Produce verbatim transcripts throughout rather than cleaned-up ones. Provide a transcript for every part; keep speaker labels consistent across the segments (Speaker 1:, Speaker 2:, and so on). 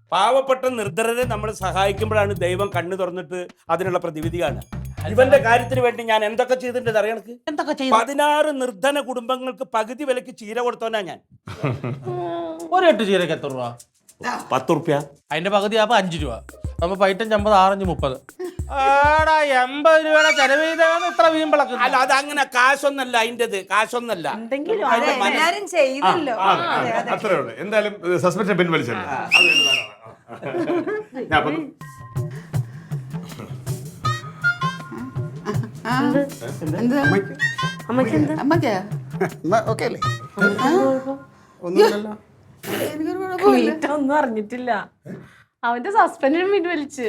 Speaker 1: പാവപ്പെട്ട നിർദ്ധരരെ നമ്മൾ സഹായിക്കുമ്പോഴാണ് ദൈവം കണ്ണു തുറന്നിട്ട് അതിനുള്ള പ്രതിവിധി കാണുക. ഇവന്റെ കാര്യത്തിന് വേണ്ടി ഞാൻ എന്തൊക്കെ ചെയ്തിട്ടുണ്ട് അറിയണക്ക്?
Speaker 2: എന്തൊക്കെ ചെയ്തു?
Speaker 1: പതിനാറ് നിർധന കുടുംബങ്ങൾക്ക് പകുതി വിലക്ക് ചീര കൊടുത്തോനാ ഞാൻ.
Speaker 2: ഒരു എട്ട് ചീരക്ക് എത്ര രൂപ?
Speaker 1: പത്ത് റുപ്യ.
Speaker 2: അതിന്റെ പകുതി ആകുമ്പോ അഞ്ചു രൂപ. അപ്പൊ പൈറ്റഞ്ച് അമ്പത് ആറഞ്ച് മുപ്പത്. ആടാ എൺപത് രൂപയുടെ ചെലവ് ചെയ്താണ് ഇത്ര വീമ്പിളക്ക്.
Speaker 1: അല്ല അത് അങ്ങനെ കാശൊന്നല്ല അതിൻ്റെത്, കാശൊന്നല്ല.
Speaker 3: എല്ലാരും ചെയ്തല്ലോ.
Speaker 4: അത്രേ ഉള്ളൂ. എന്തായാലും സസ്പെൻഷൻ പിൻവലിച്ചല്ലോ. ഞാൻ അപ്പം
Speaker 5: ഒന്നും അറിഞ്ഞിട്ടില്ല. അവന്റെ സസ്പെൻഷൻ പിൻവലിച്ച്.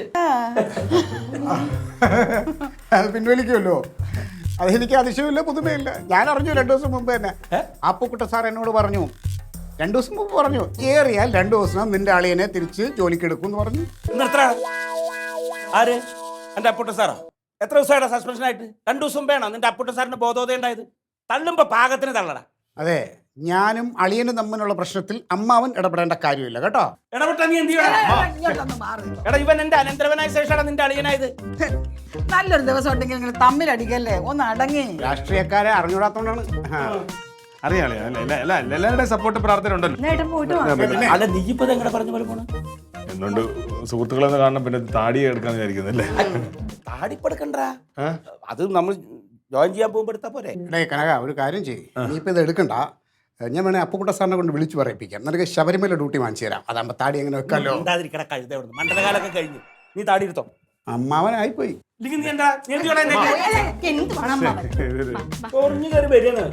Speaker 6: അത് പിൻവലിക്കുമല്ലോ. അതെനിക്ക് അതിശയമില്ല, പുതുമയില്ല. ഞാൻ അറിഞ്ഞു രണ്ടു ദിവസം മുമ്പ് തന്നെ. അപ്പുക്കുട്ട സാർ എന്നോട് പറഞ്ഞു, രണ്ടു ദിവസം മുമ്പ് പറഞ്ഞു, ഏറിയാൽ രണ്ടു ദിവസം നിന്റെ അളിയനെ തിരിച്ച് ജോലിക്ക് എടുക്കും എന്ന് പറഞ്ഞു.
Speaker 1: നിർത്തറ. ആര്? എന്റെ അപ്പുട്ട സാറോ? എത്ര ദിവസമായിട്ട് സസ്പെൻഷൻ ആയിട്ട്? രണ്ടു ദിവസം വേണം നിന്റെ അപ്പുട്ട സാറിന് ബോധോദയം ഉണ്ടായത്. തള്ളുമ്പോ പാകത്തിന് തള്ളടാ.
Speaker 6: അതെ, ഞാനും അളിയനും തമ്മിലുള്ള പ്രശ്നത്തിൽ അമ്മാവൻ ഇടപെടേണ്ട കാര്യമില്ല കേട്ടോ.
Speaker 1: ഇടപെട്ട നീ എന്ത് ചെയ്യണം? എടാ ഇവൻ എന്റെ അനന്തരവനായ ശേഷമാണ് നിന്റെ അളിയനായത്.
Speaker 3: നല്ലൊരു ദിവസം ഉണ്ടെങ്കിൽ നിങ്ങൾ തമ്മിലടിക്കല്ലേ, ഒന്ന് അടങ്ങി.
Speaker 6: രാഷ്ട്രീയക്കാരെ അറിഞ്ഞൂടാത്തോണ്ടാണ്.
Speaker 4: അറിയാളെ എല്ലാവരുടെയും സപ്പോർട്ട് പ്രാർത്ഥന ഉണ്ടല്ലോ.
Speaker 1: അല്ല നീ ഇപ്പൊ എങ്ങനെ പറഞ്ഞ പോലെ പോണ?
Speaker 4: എന്തുകൊണ്ട് സുഹൃത്തുക്കളെന്ന് കാണണം, പിന്നെ താടി എടുക്കാന്ന് വിചാരിക്കുന്നല്ലേ?
Speaker 1: താടിപ്പെടുക്കണ്ട, അത് നമ്മൾ ജോയിൻ ചെയ്യാൻ പോകുമ്പോ എടുത്താ പോരെ.
Speaker 6: എടേ കനക, ഒരു കാര്യം ചെയ്യും, നീ ഇപ്പൊ ഇത് എടുക്കണ്ട. ഞാൻ വേണേ അപ്പുക്കുട്ട സാറിനെ കൊണ്ട് വിളിച്ചു പറയിപ്പിക്കാം. നിനക്ക് ശബരിമല ഡ്യൂട്ടി വാങ്ങിച്ചു തരാം. അതാകുമ്പോ താടി എങ്ങനെ വെക്കാലോ.
Speaker 1: ഉണ്ടാതിരിക്കട കഴുത അവിടുന്ന്. മണ്ഡലകാലൊക്കെ കഴിഞ്ഞു, നീ താടി എടുത്തോ.
Speaker 6: അമ്മാവനായിപ്പോയി.
Speaker 1: ഇല്ലെങ്കിൽ നീ എന്താ നീ എന്ത് ചെയ്യണം?
Speaker 3: എന്ത് വേണം
Speaker 1: കുറഞ്ഞു കയറി വരികയാണ്.